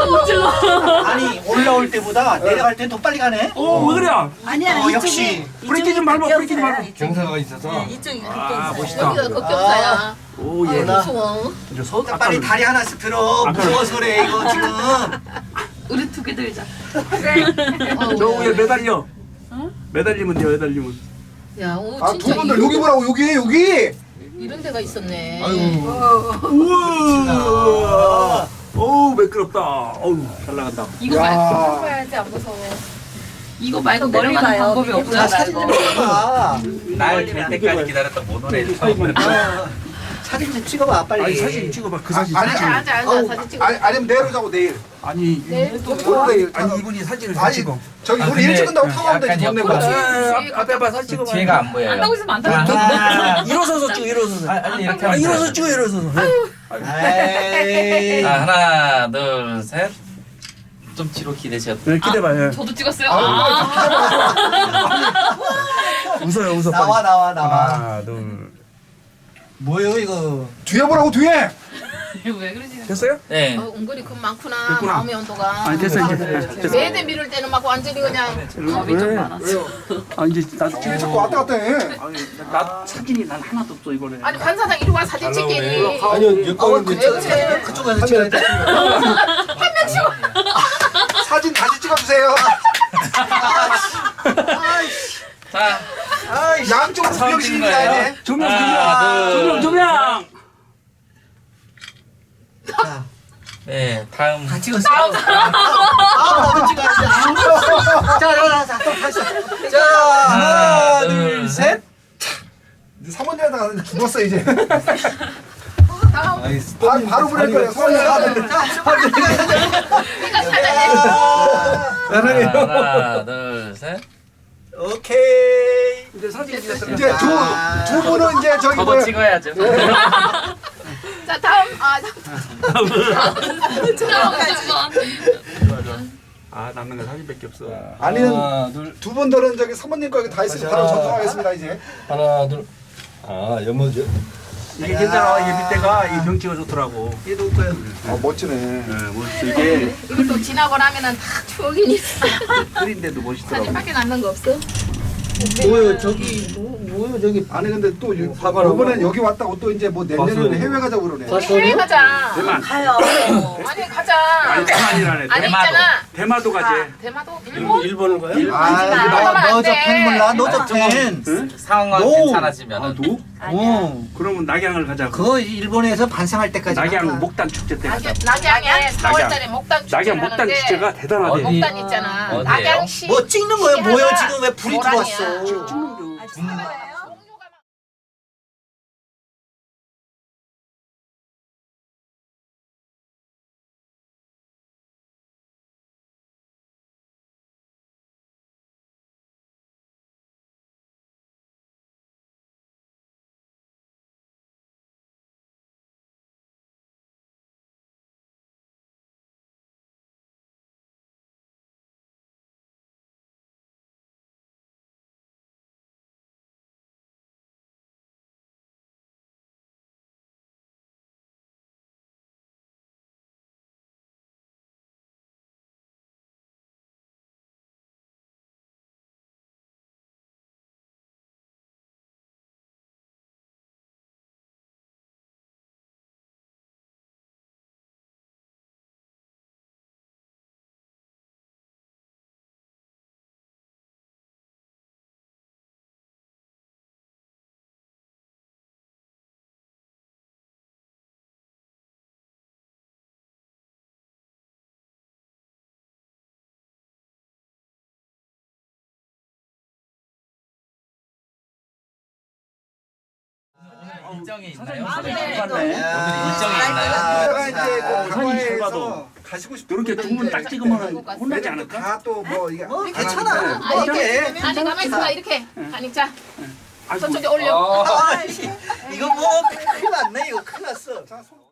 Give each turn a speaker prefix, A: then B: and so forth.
A: 아니 올라올 때보다 내려갈 땐 더 빨리 가네.
B: 왜 그래?
C: 아니야.
A: 역시.
B: 브레이크 좀 밟아, 브레이크 좀 밟아.
D: 경사가 있어서.
C: 이쪽이
B: 아,
C: 급경사.
B: 멋있다.
E: 여기가 급경사야.
B: 오, 예.
E: 무서워.
B: 이제 서,
A: 빨리 다리 하나씩 들어. 무서워서 그래 이거 지금.
C: 우리 두 개 들자.
B: 저 위에 매달려. 매달리면 돼요, 매달리면.
E: 야, 오,
D: 아,
E: 진짜
D: 두 분들 여기 보라고, 여기!
E: 이런 데가 있었네.
B: 우와. 어우, 매끄럽다. 어우, 잘 나간다.
C: 이거
D: 야.
C: 말고
E: 해야지 안 무서워.
C: 이거 말고 내려가는 방법이 없잖아.
A: 사진 좀 찍어봐.
D: 날될 때까지 기다렸다 못 오네. 처음에.
A: 사진 좀 찍어봐 빨리.
B: 아니, 사진 찍어봐. 그 사진.
D: 아니,
E: 앉아, 앉아, 앉아.
D: 아우,
E: 사진 찍어.
D: 아니면 내려자고, 내일.
B: 아니,
D: 내일.
B: 아니, 이분이 사진을 잘
D: 아니,
B: 찍어.
D: 저기, 우리
F: 근데
D: 일 찍은다고 타고 되지, 돈 내고.
B: 앞에 봐, 사진 찍어봐.
F: 뒤에가 안 보여요.
C: 안다고 있으면 안 돼.
B: 일어서서 찍어, 일어서서.
F: 아니 이렇게 하면
B: 일어서
F: 돼요.
B: 찍어, 일어서서.
A: 에이.
F: 자, 하나, 둘, 셋. 좀 뒤로 기대셨다.
B: 네, 기대봐.
C: 저도 찍었어요.
B: 웃어요, 웃어.
A: 나와 나와 나와.
B: 하나, 둘.
A: 뭐요 이거?
D: 뒤에 보라고, 뒤에!
C: 왜 그러지?
B: 됐어요?
F: 네.
E: 은근히 금 많구나.
B: 됐구나.
E: 마음의 온도가.
B: 아니, 됐어, 이제. 됐어.
E: 매대 미룰 때는 막 완전히 그냥.
C: 겁이 좀 많았어.
B: 아, 이제 나도
D: 왜
B: 찍어.
D: 자꾸 왔다 갔다 해?
B: 아니, 나 사진이 난 하나도 없어, 이번에.
E: 아니 관사장 이리 와 사진 찍기니.
D: 아니요,
E: 그래.
A: 그쪽에서 찍어야 돼.
D: 사진 다시 찍어주세요.
F: 자,
D: 양쪽으로
F: 처음
D: 구경식이
F: 찍는
D: 가야
F: 거예요.
D: 돼.
B: 조명,
F: 하나,
B: 조명,
F: 둘.
B: 조명.
F: 네, 다음.
A: 다 찍었어. 나도 찍어야지. 자, 다시. 자, 하나, 둘, 셋.
D: 사모님한테 가서 죽었어, 이제.
E: 다음.
D: 바로 보낼 거예요, 사모님한테.
F: 하나, 둘, 셋.
A: 오케이.
B: 이제 사진 찍었어.
D: 이제 두 분은 이제 저기
F: 저도
D: 뭐야.
F: 찍어야죠.
E: 자 다음.
B: 아, 남는 거 사진밖에 없어.
D: 아니는
F: 하나, 둘.
D: 두 분들은 저기 사모님 거 다 있으면 바로 전송하겠습니다, 이제.
F: 하나, 둘.
D: 연모죠?
B: 이게 괜찮아. 이게 밑에가 이 병치가 좋더라고.
A: 얘도 올 거야.
D: 아, 멋지네.
B: 네, 뭐 이게
E: 이것도 지나고 나면은 다 추억이니.
B: 흐린데도 멋있더라고.
E: 사진밖에 남는 거 없어?
A: 뭐요 저기 뭐요 저기.
D: 아니 근데 또 이번엔 여기 왔다고 또 이제 뭐 내년에는 해외 가자고 그러네.
E: 해외 가자.
B: 대만.
C: 가요.
E: 아니 가자.
B: 아니, 대만이라네.
E: 아니
F: 대마도.
E: 있잖아.
B: 대마도 가지.
E: 대마도 일본?
A: 일본을 가요?
E: 안
A: 너저
E: 돼.
A: 팬 몰라? 너저 팬.
F: 상황
A: 노.
F: 괜찮아지면.
B: 아, 도?
A: 어.
B: 그러면 낙양을 가자고.
A: 그거 일본에서 반상할 때까지.
B: 낙양 목단 축제 때 가자.
E: 낙양에 4월달에 목단 축제
B: 낙양 목단 축제가 대단하대.
F: 어디?
E: 목단 있잖아.
F: 어디예요?
E: 낙양시.
A: 뭐 찍는 거예요? 뭐요 지금 왜 불이
E: 모란이야.
A: 들어왔어?
F: 일정이 있나요?
B: 사장님
F: 오늘
B: 잘 봤네.
F: 일정이 있나요?
D: 제가 이제 그
B: 사진 잘
D: 강화에서
B: 봐도.
D: 가시고 싶은
B: 이렇게 두 분 딱 찍으면 혼나지 않을까?
D: 다또 뭐 이게
A: 뭐
D: 안
A: 괜찮아.
D: 하는데.
A: 뭐 어때?
E: 아니 가만 있어봐 이렇게. 아니 자
B: 아이고,
E: 저쪽에 올려.
A: 이거 뭐 큰일 났네. 이거 큰일 났어.
D: 자, 손-